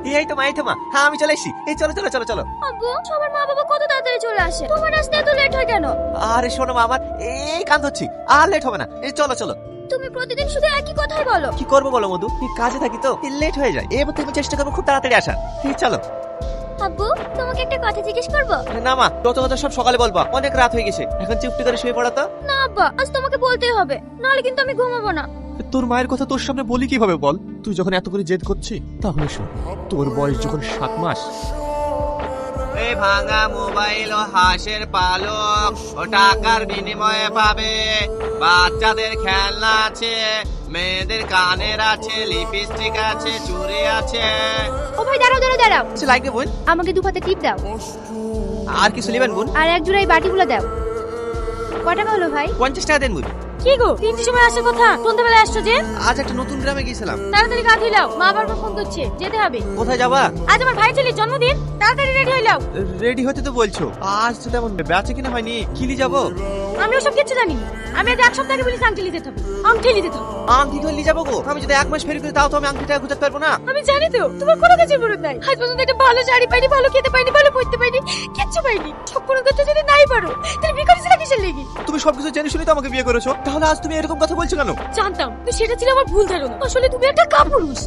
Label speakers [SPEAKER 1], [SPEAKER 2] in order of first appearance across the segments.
[SPEAKER 1] এই তো মা, এই তো মা, হ্যাঁ আমি চলে এসেছি। এই চলো চলো চলো চলো।
[SPEAKER 2] আব্বু, সবার মা বাবা কত তাড়াতাড়ি চলে আসে, তোমার আসতে এত লেট হয় কেন?
[SPEAKER 1] আরে শোনো মা, আমার এই কান ধরছি, আর লেট হবে না। এই চলো চলো।
[SPEAKER 2] তুমি প্রতিদিন শুধু একই কথাই বলো।
[SPEAKER 1] কি করবো বলো মধু, এই কাজে থাকি তো লেট হয়ে যায়। এবার থেকে চেষ্টা করবো খুব তাড়াতাড়ি আসার। এই চলো।
[SPEAKER 2] আব্বু, তোমাকে একটা কথা জিজ্ঞেস করবো?
[SPEAKER 1] না মা, যত কথা সব সকালে বলবা, অনেক রাত হয়ে গেছে, এখন চুপটি করে শুয়ে পড়া তো।
[SPEAKER 2] না আব্বা, আজ তোমাকে বলতেই হবে, নাহলে কিন্তু আমি ঘুমাবো না।
[SPEAKER 3] তোর মায়ের কথা তোর সামনে বলি কিভাবে বল? তুই যখন এত করে জেদ করছিস তাহলে শোন, তোর বয়স যখন 7 মাস,
[SPEAKER 1] এই ভাঙা মোবাইল ও হাঁসের পালক ও টাকার বিনিময়ে পাবে। বাচ্চাদের খেলনা আছে, মেয়েদের কানের আছে, লিপস্টিক আছে, চুড়ি আছে।
[SPEAKER 2] ও ভাই, দাঁড়াও দাঁড়াও দাঁড়াও,
[SPEAKER 1] কিছু লাগবে বোন?
[SPEAKER 2] আমাকে 2 পাতা টিপ দাও,
[SPEAKER 1] আর কিছু নেবেন বোন?
[SPEAKER 2] আর এক জোড়া এই বাটিগুলো দাও। কয় টাকা হলো ভাই?
[SPEAKER 1] 50 টাকা দেন বোন।
[SPEAKER 2] কি গো, 3টির সময় আসার কথা, সন্ধ্যাবেলায় আসছো যে?
[SPEAKER 1] আজ একটা নতুন গ্রামে গিয়েছিলাম।
[SPEAKER 2] তাড়াতাড়ি গা ধুই লাও, মা বারবার ফোন করছে, যেতে হবে।
[SPEAKER 1] কোথায় যাবা?
[SPEAKER 2] আজ আমার ভাই ছেলের জন্মদিন, তাড়াতাড়ি রেডি হই লাও।
[SPEAKER 1] রেডি হতে তো বলছো, আজ তো তেমন বেচা কিনা হয়নি। কিলি যাবো?
[SPEAKER 2] আমি ওসব কিছু জানি না, আমি আজ 1 সপ্তাহ আগে বলি আংটি যেতে হবে, আংটি যেতে হবে।
[SPEAKER 1] আংটি ধরলি যাবো গো? আমি যদি 1 মাস ফেরি করে তাও তো আমি আংটিটা গুছাতে পারবো না।
[SPEAKER 2] আমি জানি তো, তোমার কোনো কাজের মরদ নাই। আজ পর্যন্ত একটা ভালো শাড়ি পাইনি, ভালো খেতে পাইনি, ভালো পড়তে পাইনি, কিচ্ছু পাইনি। সব কোনো করতে যদি নাই পারো, তাহলে বিয়ে করেছিলে কিসের লেগে?
[SPEAKER 1] তুমি সবকিছু জেনে শুনে তো আমাকে বিয়ে করেছো, তাহলে আজ তুমি এরকম কথা বলছো কেন?
[SPEAKER 2] জানতাম তো, সেটা ছিল আমার ভুল ধারণা। আসলে তুমি একটা কাপুরুষ।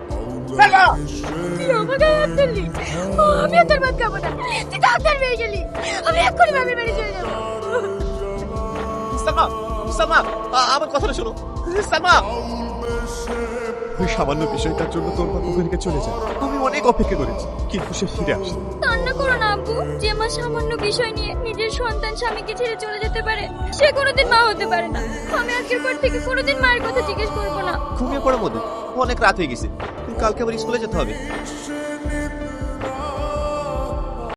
[SPEAKER 2] তুই আমার গায়ে হাত তুললি, আমি আর তোর ভাত খাবো না। তুই ডাক্তার পেয়ে গেলি, আমি এক্ষুনি মামির বাড়ি চলে যাবো।
[SPEAKER 1] সালমা, সালমা, আমার কথাটা শোনো। সালমা,
[SPEAKER 3] ওই সামান্য বিষয়টার জন্য তোর মা ওখান থেকে চলে যায়। আমি অনেক অপেক্ষা করেছি, কিন্তু সে ফিরে আসে।
[SPEAKER 2] কান্না করো না আব্বু, যে মা সামান্য বিষয় নিয়ে নিজের সন্তান স্বামীকে ছেড়ে চলে যেতে পারে, সে কোনোদিন মা হতে পারে না। আমি আজকের পর থেকে কোনোদিন মায়ের কথা জিজ্ঞেস করবো না।
[SPEAKER 1] ঘুমিয়ে পড়ো মধু, অনেক রাত হয়ে গেছে, কালকে আবার স্কুলে যেতে হবে।